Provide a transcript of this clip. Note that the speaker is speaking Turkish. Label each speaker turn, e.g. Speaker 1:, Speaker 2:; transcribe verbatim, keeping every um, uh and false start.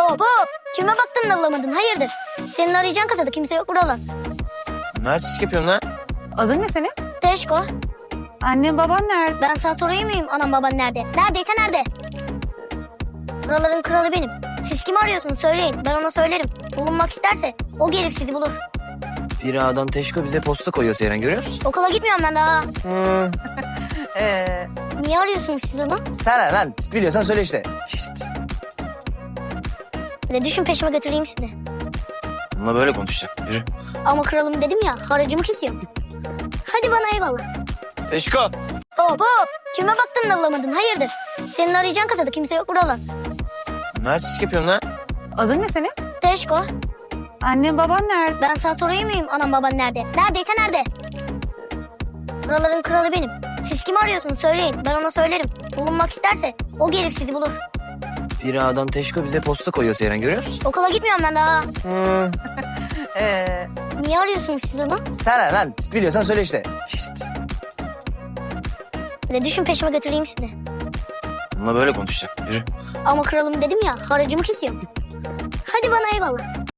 Speaker 1: Hop hop. Kime baktın da bulamadın, hayırdır? Senin arayacağın kasada kimse yok buralar.
Speaker 2: Ne artistlik yapıyorsun lan?
Speaker 3: Adın ne senin?
Speaker 1: Teşko.
Speaker 3: Annen baban nerede?
Speaker 1: Ben sana sorayım mıyım anam baban nerede? Neredeyse nerede? Buraların kralı benim. Siz kimi arıyorsunuz söyleyin, ben ona söylerim. Bulunmak isterse o gelir sizi bulur.
Speaker 2: Bir ağadan Teşko bize posta koyuyor Seyren, görüyor musun?
Speaker 1: Okula gitmiyorum ben daha.
Speaker 2: Hmm.
Speaker 3: Ee,
Speaker 1: Niye arıyorsunuz siz onu?
Speaker 2: Sana lan, biliyorsan söyle işte.
Speaker 1: Ne düşün peşime götüreyim sizi.
Speaker 2: Bununla böyle konuşacağım. Yürü.
Speaker 1: Ama kralım dedim ya, haracımı kesiyorum. Hadi bana eyvallah.
Speaker 2: Teşko.
Speaker 1: Hop hop. Kime baktın da bulamadın, hayırdır? Senin arayacağın kasada kimse yok buralar.
Speaker 2: Ne artistlik yapıyorsun lan?
Speaker 3: adın ne senin?
Speaker 1: Teşko.
Speaker 3: Annen baban nerede?
Speaker 1: Ben sana sorayım mıyım anam baban nerede? Neredeyse nerede? Buraların kralı benim. Siz kimi arıyorsunuz söyleyin, ben ona söylerim. Bulunmak isterse o gelir sizi bulur.
Speaker 2: Bir ağadan Teşko bize posta koyuyor Seyren, görüyor musun?
Speaker 1: Okula gitmiyorum ben daha.
Speaker 2: Hmm.
Speaker 3: Ee,
Speaker 1: Niye arıyorsunuz siz onu?
Speaker 2: Sana lan, biliyorsan söyle işte.
Speaker 1: Ne düşün peşime götüreyim sizi.
Speaker 2: Bununla böyle konuşacağım. Yürü.
Speaker 1: Ama kralım dedim ya, haracımı kesiyorum. Hadi bana eyvallah.